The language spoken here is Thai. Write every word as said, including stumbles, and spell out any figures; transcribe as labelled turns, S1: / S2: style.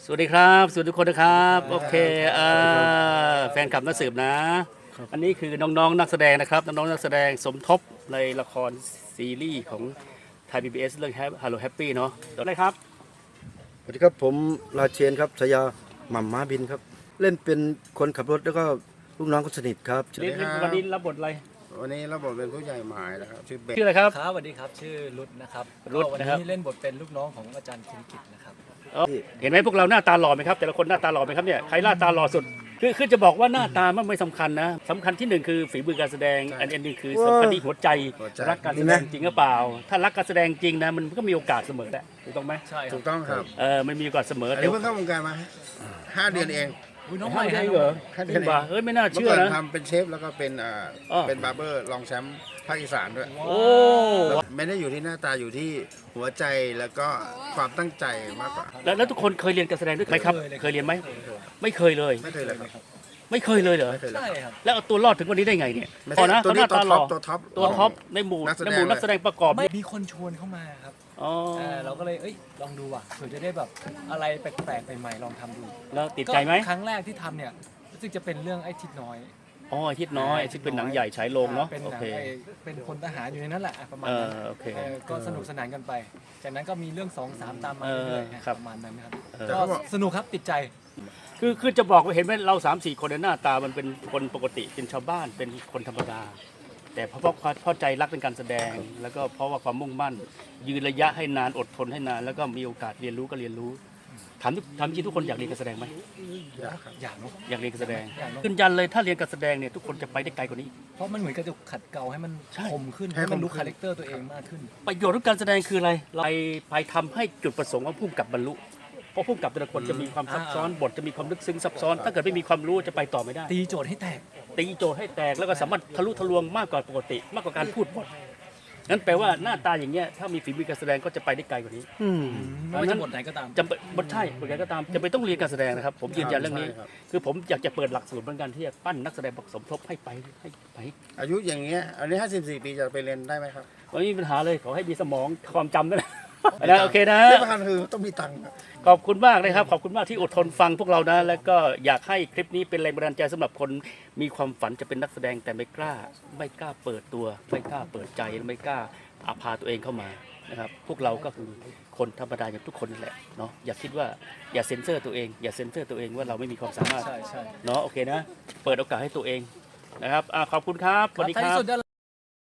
S1: วัสดีครับสวัสดีทุกคนนะครับโอเคเอ่อแฟนคลับนักสืบนะอันนี้คือน้องๆนักแสดงนะครับน้องๆนักแสดงสมทบในละครซีรีส์ของไทย พี บี เอส เรื่อง Hello Happy เนาะต่อเลยครับ
S2: สวัสดีครับผมราเชนครับฉายาหม่ำม้าบินครับเล่นเป็นคนขับรถแล้วก็ลูกน้องคนสนิทครับ
S1: วันนี้รับบทอะไร
S3: วันนี้รับบทเป็นผู้ใหญ่หมายนะครับชื่อเบน
S1: ชื่ออะไรครับ
S4: ครับสวัสดีครับชื่อรุดนะครับ
S1: รุด
S4: ก็วัน
S1: นะครับ
S4: นี้เล่นบทเป็นลูกน้องของอาจารย์คุณกิตนะครับ
S1: เห็นไหมพวกเราหน้าตาหล่อไหมครับแต่ละคนหน้าตาหล่อไหมครับเนี่ยใครหน้าตาหล่อสุดคือคือจะบอกว่าหน้าตามันไม่สำคัญนะสำคัญที่หนึ่งคือฝีมือการแสดงอันอันหนึงคือสำคัญที่หัวใจรักการแสดงจริงหรือเปล่า ถ้ารักการแสดงจริงนะมันก็มีโอกาสเสมอแหละถูกต้องไหม
S4: ใช่ครั
S3: ถู
S4: บ
S3: กต้องครับ
S1: เออมันมีโอกาสเสมอ
S3: อัน
S1: เดี๋ยว
S3: นี้เพิ่งเข้าวงการมาห้าเดือนเอง
S4: อุ้ยน้องให
S1: ไม่
S4: ม่
S1: ได้
S4: นะ
S1: เหรอ
S3: ขั้นเทพ
S1: เห็นป่ะเฮ้ยไม่น่า
S3: เมื่อ
S1: เชื่อ
S3: ก่อน
S1: นะ
S3: ทำเป็นเชฟแล้วก็เป็นอ่า
S1: อ้อ
S3: เป็นบาร์เบอร์รองแชมป์ภาคอีสานด้วย
S1: โอ้
S3: ไม่ได้อยู่ที่หน้าตาอยู่ที่หัวใจแล้วก็ความตั้งใจมากกว่า
S1: แล้วแล้วทุกคนเคยเรียนการแสดงด้วยไหมครับเคยเรียนไหมไม่เคยเลย
S3: ไม่เคยเลยครับ
S1: ไม่เคยเลยเหรอ
S3: ไม่เคยเลย
S4: ใช่ครับ
S1: แล้วเอาตัวรอดถึงวันนี้ได้ไงเนี่ย
S3: ไม่
S1: พอ
S3: ใช่
S1: นะ
S3: ตัว
S1: เขาห
S3: นี้
S1: น้า
S3: ตัว
S1: ตาห
S3: ท็
S1: ล่
S3: อ
S1: อ
S3: ปตัวท็อป
S1: ตัวท็อปในหมู่
S3: นักแสดง
S1: ในหมู่นักแสดงประกอบ
S4: ไม่มีคนชวนเข้ามาครับ
S1: อ๋อ
S4: เออเราก็เลยเอ้ยลองดูว่ะเผื่อจะได้แบบอะไรแปลกๆใหม่ๆลองทำดู
S1: แล้วติดใจไหม
S4: ก็ครั้งแรกที่ทำเนี่ยรู้สึกจะเป็นเรื่องไอ้ทิดน้อย
S1: อ๋ออาทิตย์น้อยอาทิตย์เป็นหนังใหญ่ฉายโรงเนาะ
S4: เป็น
S1: โอ
S4: หนัง
S1: เค
S4: ไอ้เป็นพลทหารอยู่ในนั้นแหละอ่ะประมาณ
S1: เอ
S4: นั้น
S1: อโอเค
S4: เออก็สนุกสนานกันไป จากนั้นก็มีเรื่องสองสามตามมา
S1: เออ
S4: เรื่อยๆฮะ
S1: ครับ
S4: ประมาณนั้นนะครับ
S1: เออ
S4: ก็สนุกครับติดใจ
S1: คือคือจะบอกว่าเห็นไหมเราสามสี่คนในหน้าตามันเป็นคนปกติเป็นชาวบ้านเป็นคนธรรมดา แต่เพราะเพราะเพราะใจรักในการแสดง แล้วก็เพราะว่าความมุ่งมั่น ยืนระยะให้นานอดทนให้นาน แล้วก็มีโอกาสเรียนรู้ก็เรียนรู้ถามทุกถามจริงทุกคนอยากเรียนการแสดงไหม
S3: อยากครับ
S4: อย่างเนอะ
S1: อยากเรียนการแสดง
S4: อยากเนอะ
S1: ยืนยันเลยถ้าเรียนการแสดงเนี่ยทุกคนจะไปได้ไกลกว่านี้
S4: เพราะมันเหมือนกับจะขัดเกลาให้มัน
S1: ใช่
S4: คมขึ้น
S3: ให้
S4: ให้มัน
S3: คม
S4: รู้
S3: ขึ้น
S4: คาแรคเตอร์ตัวเองมากขึ้น
S1: ประโยชน์ของการแสดงคืออะไรเราไปไปทำให้จุดประสงค์ของผู้กำกับบรรลุเพราะผู้กำกับแต่ละคนจะมีความซับซ้อนบทจะมีความลึกซึ้งซับซ้อน ถ้าเกิดไม่มีความรู้จะไปต่อไม่ได้
S4: ตีโจทย์ให้แตก
S1: ตีโจทย์ให้แตกแล้วก็สามารถทะลุทะลวงมากกว่าปกติ มากกว่าการพูดบทงั้นแปลว่าหน้าตาอย่างเงี้ยถ้ามีฝีมือการแสดงก็จะไปได้ไกลกว่านี้
S4: ไม่ว่าจะบทไหนก็ตาม
S1: จำเป็นบทใช่บทใดก็ตามจะไปนต้องเรียนการแสดงนะครับ ผมยืนยันเรื่องนี้
S3: ใช่ครับ
S1: คือผมอยากจะเปิดหลักสูตรเหมือนกันที่จะปั้นนักแสดงสมทบให้ไปให้ไป
S3: อายุอย่างเงี้ยอันนี้ห้าสิบสี่ปีจะไปเรียนได้ไหมครับ
S1: ไม่มีปัญหาเลยขอให้มีสมองความจำนั่นแหละนะโอเคนะ
S3: ที่สำคัญคือต้องมีตังค์ครับ
S1: ขอบคุณมากนะครับขอบคุณมากที่อดทนฟังพวกเรานะ แล้วก็อยากให้คลิปนี้เป็นแรงบันดาลใจสำหรับคนมีความฝันจะเป็นนักแสดงแต่ไม่กล้า ไม่กล้าเปิดตัว ไม่กล้าเปิดใจไม่กล้าอาพาตัวเองเข้ามานะครับพวกเราก็คือคนธรรมดาอย่างทุกคนนั่นแหละเนาะอย่าคิดว่าอย่าเซ็นเซอร์ตัวเอง อย่าเซ็นเซอร์ตัวเองว่าเราไม่มีความสามารถ
S4: ใช่ใช่
S1: เนาะโอเคนะ เปิดโอกาสให้ตัวเองนะครับอ่าขอบคุณครับสวัสดีค
S4: ท้าย
S1: รับ
S4: ที่สุด